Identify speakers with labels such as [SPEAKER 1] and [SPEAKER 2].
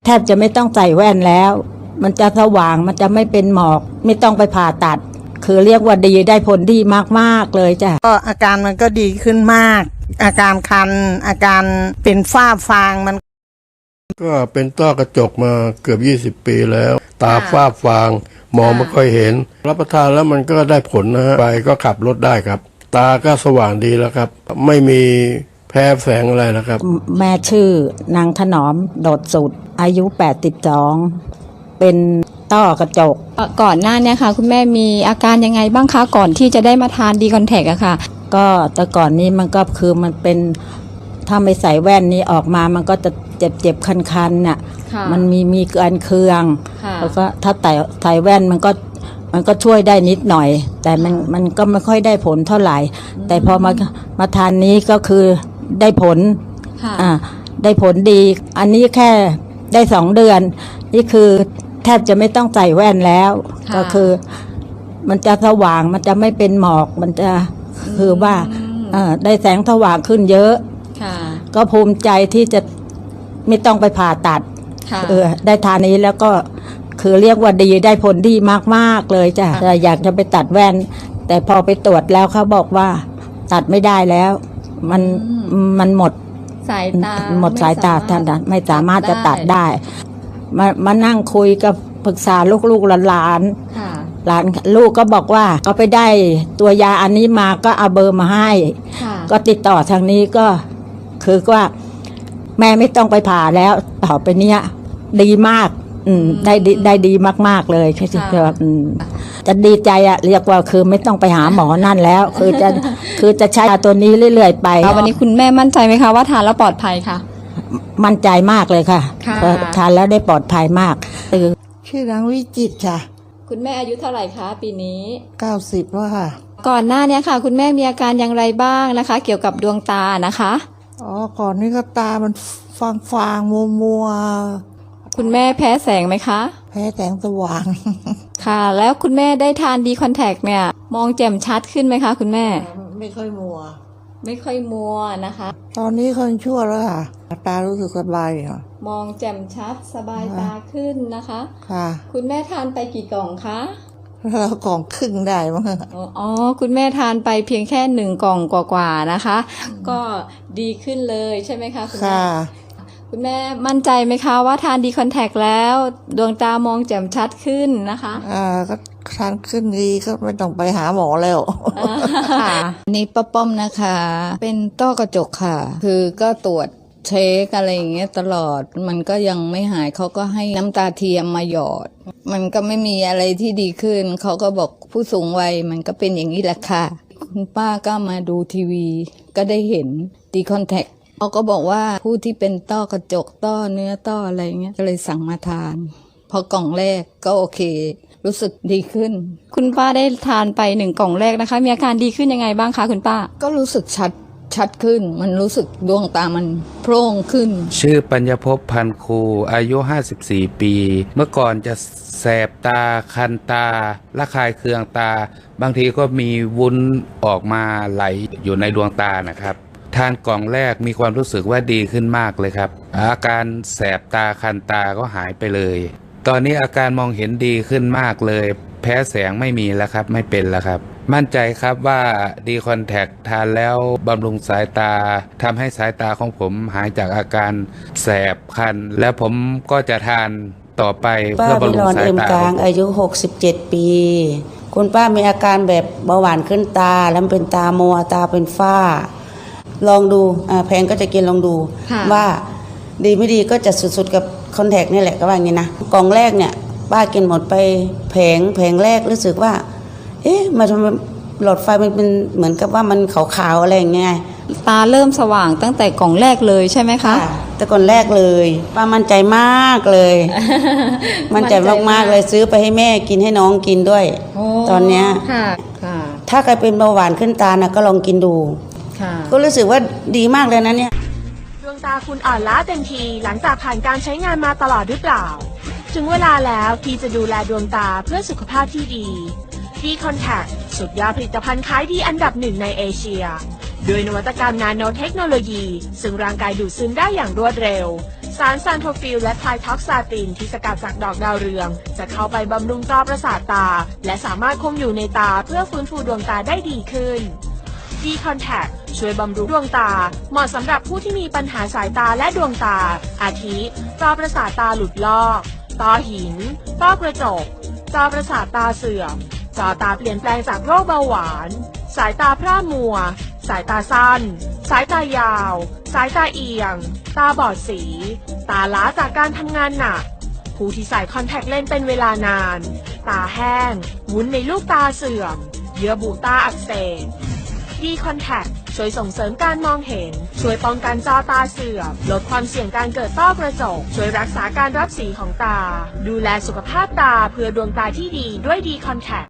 [SPEAKER 1] แทบจะไม่ต้องใส่แว่นแล้วมันจะสว่างมันจะไม่เป็นหมอกไม่ต้องไปผ่าตัดคือเรียกว่าดีได้ผลดีมากๆเลยจ้ะ
[SPEAKER 2] ก็อาการมันก็ดีขึ้นมากอาการคันอาการเป็นฝ้าฟางมัน
[SPEAKER 3] ก็เป็นต้อกระจกมาเกือบ20 ปีแล้วตาฝ้าฟางมองไม่ค่อยเห็นรับประทานแล้วมันก็ได้ผลนะฮะไปก็ขับรถได้ครับตาก็สว่างดีแล้วครับไม่มีแพ้แสงอะไรนะครับ
[SPEAKER 1] แม่ชื่อนางถนอมโดดสุดอายุ82เป็นต้อกระจก
[SPEAKER 4] ก่อนหน้านี้ค่ะคุณแม่มีอาการยังไงบ้างคะก่อนที่จะได้มาทานดีคอนแทคอะค่ะ
[SPEAKER 1] ก็แต่ก่อนนี้มันก็คือมันเป็นถ้าไม่ใส่แว่นนี้ออกมามันก็จะเจ็บคันๆน่ะมันมีการเคืองแล้วก็ถ้าใส่แว่นมันก็ช่วยได้นิดหน่อยแต่มันก็ไม่ค่อยได้ผลเท่าไหร่แต่พอมาทานนี้ก็คือได้ผลได้ผลดีอันนี้แค่ได้2 เดือนนี่คือแทบจะไม่ต้องใส่แว่นแล้วก็คือมันจะสว่างมันจะไม่เป็นหมอกมันจะคือว่าได้แสงสว่างขึ้นเยอะก็ภูมิใจที่จะไม่ต้องไปผ่าตัดได้ทานนี้แล้วก็คือเรียกว่าดีได้ผลดีมากๆเลยจ้ะอยากจะไปตัดแว่นแต่พอไปตรวจแล้วเขาบอกว่าตัดไม่ได้แล้วมันหมด
[SPEAKER 4] สายตา
[SPEAKER 1] ท่านไม่สามารถจะตัดได้มานั่งคุยกับปรึกษาลูกๆหลานลูกก็บอกว่าก็ไปได้ตัวยาอันนี้มาก็เอาเบอร์มาให้ก็ติดต่อทางนี้ก็คือว่าแม่ไม่ต้องไปผ่าแล้วต่อไปเนี้ยดีมากได้ดีมากๆเลยจะดีใจอะเรียกว่าคือไม่ต้องไปหาหมอนั่นแล้วคือจะใช้ตัวนี้เรื่อยๆไป
[SPEAKER 4] วันนี้คุณแม่มั่นใจไหมคะว่าทานแล้วปลอดภัยค่ะ
[SPEAKER 1] มั่นใจมากเลยค่ะทานแล้วได้ปลอดภัยมาก
[SPEAKER 2] ชื่อนางวิจิตรค่ะ
[SPEAKER 4] คุณแม่อายุเท่าไหร่คะปีนี้
[SPEAKER 2] 90แล้วค่ะ
[SPEAKER 4] ก่อนหน้านี้ค่ะคุณแม่มีอาการอย่างไรบ้างนะคะเกี่ยวกับดวงตานะคะ
[SPEAKER 2] ก่อนนี้ก็ตามันฟางมัว
[SPEAKER 4] คุณแม่แพ้แสงไหมคะ
[SPEAKER 2] แพ้แสงสว่าง
[SPEAKER 4] ค่ะแล้วคุณแม่ได้ทานดีคอนแทคเนี่ยมองแจ่มชัดขึ้นไหมคะคุณแม่
[SPEAKER 2] ไม่ค่อยมัว
[SPEAKER 4] นะคะ
[SPEAKER 2] ตอนนี้คนชั่วแล้วค่ะตารู้สึกสบายค่ะ
[SPEAKER 4] มองแจ่มชัดสบายตาขึ้นนะคะ
[SPEAKER 2] ค่ะ
[SPEAKER 4] คุณแม่ทานไปกี่กล่องคะ
[SPEAKER 2] กล่องครึ่งได้มั้ง
[SPEAKER 4] อ๋อคุณแม่ทานไปเพียงแค่1 กล่องกว่าๆนะคะก็ดีขึ้นเลยใช่ไหมคะคุณแม่คุณแม่มั่นใจไหมคะว่าทานดีคอนแทคแล้วดวงตามองแจ่มชัดขึ้นนะคะ
[SPEAKER 2] ก็ทานขึ้นดีก็ไม่ต้องไปหาหมอแล้ว
[SPEAKER 5] นี่ป้าป้อมนะคะเป็นต้อกระจกค่ะคือก็ตรวจเช็คอะไรอย่างเงี้ยตลอดมันก็ยังไม่หายเขาก็ให้น้ำตาเทียมมาหยอดมันก็ไม่มีอะไรที่ดีขึ้นเขาก็บอกผู้สูงวัยมันก็เป็นอย่างนี้แหละค่ะคุณป้าก็มาดูทีวีก็ได้เห็นดีคอนแทคเขาก็บอกว่าผู้ที่เป็นต้อกระจกต้อเนื้อต้ออะไรเงี้ยก็เลยสั่งมาทานพอกล่องแรกก็โอเครู้สึกดีขึ้น
[SPEAKER 4] คุณป้าได้ทานไป1 กล่องแรกนะคะมีอาการดีขึ้นยังไงบ้างคะคุณป้า
[SPEAKER 5] ก็รู้สึกชัดขึ้นมันรู้สึกดวงตามันโพร่งขึ้น
[SPEAKER 6] ชื่อปัญญภพพันคูอายุ54 ปีเมื่อก่อนจะแสบตาคันตาระคายเคืองตาบางทีก็มีวุ้นออกมาไหลอยู่ในดวงตานะครับทานกล่องแรกมีความรู้สึกว่าดีขึ้นมากเลยครับอาการแสบตาคันตาก็หายไปเลยตอนนี้อาการมองเห็นดีขึ้นมากเลยแพ้แสงไม่มีแล้วครับไม่เป็นแล้วครับมั่นใจครับว่าดีคอนแทคทานแล้วบำรุงสายตาทำให้สายตาของผมหายจากอาการแสบคันแล้วผมก็จะทานต่อไปเพื่อบำรุงสายตา
[SPEAKER 7] ป้าวิรอน เอ็มกลางอายุ67 ปีคุณป้ามีอาการแบบเบาหวานขึ้นตาแล้วเป็นตามัวตาเป็นฝ้าลองดูแพงก็จะกินลองดูว่าดีไม่ดีก็จะสุดๆกับคอนแทคนี่แหละก็ว่าอย่างนี้นะกล่องแรกเนี่ยป้ากินหมดไปแผงแรกรู้สึกว่ามาทำไมหลอดไฟมันเป็นเหมือนกับว่ามันขาวๆอะไรอย่างเงี้ย
[SPEAKER 4] ตาเริ่มสว่างตั้งแต่กล่องแรกเลยใช่ไหมคะ
[SPEAKER 7] แต่ก่อนแรกเลยป้ามั่นใจมากเลยมั่นใจมากๆเลยซื้อไปให้แม่กินให้น้องกินด้วยตอนเนี้ยถ้าใครเป็นเบาหวานขึ้นตานะก็ลองกินดูก็รู้สึกว่าดีมากเลยนะเนี่ย
[SPEAKER 8] ดวงตาคุณอ่อนล้าเต็มทีหลังจากผ่านการใช้งานมาตลอดหรือเปล่าถึงเวลาแล้วที่จะดูแลดวงตาเพื่อสุขภาพที่ดีดีคอนแทคสุดยอดผลิตภัณฑ์ขายดีอันดับ1ในเอเชียด้วยนวัตกรรมนาโนเทคโนโลยีซึ่งร่างกายดูดซึมได้อย่างรวดเร็วสารซานโทฟิลและไพท็อกซาตินที่สกัดจากดอกดาวเรืองจะเข้าไปบำรุงจอประสาทตาและสามารถคงอยู่ในตาเพื่อฟื้นฟูดวงตาได้ดีขึ้น D-Contact ช่วยบำรุงดวงตาเหมาะสำหรับผู้ที่มีปัญหาสายตาและดวงตาอาทิจอประสาทตาหลุดลอกต้อหินต้อกระจกจอประสาทตาเสื่อมจอตาเปลี่ยนแปลงจากโรคเบาหวานสายตาพร่ามัวสายตาสั้นสายตายาวสายตาเอียงตาบอดสีตาล้าจากการทำงานหนักผู้ที่ใส่คอนแทคเลนส์เป็นเวลานานตาแห้งวุ้นในลูกตาเสื่อมเยื่อบุตาอักเสบD-Contact ช่วยส่งเสริมการมองเห็นช่วยป้องกันจอตาเสื่อมลดความเสี่ยงการเกิดต้อกระจกช่วยรักษาการรับสีของตาดูแลสุขภาพตาเพื่อดวงตาที่ดีด้วยD-Contact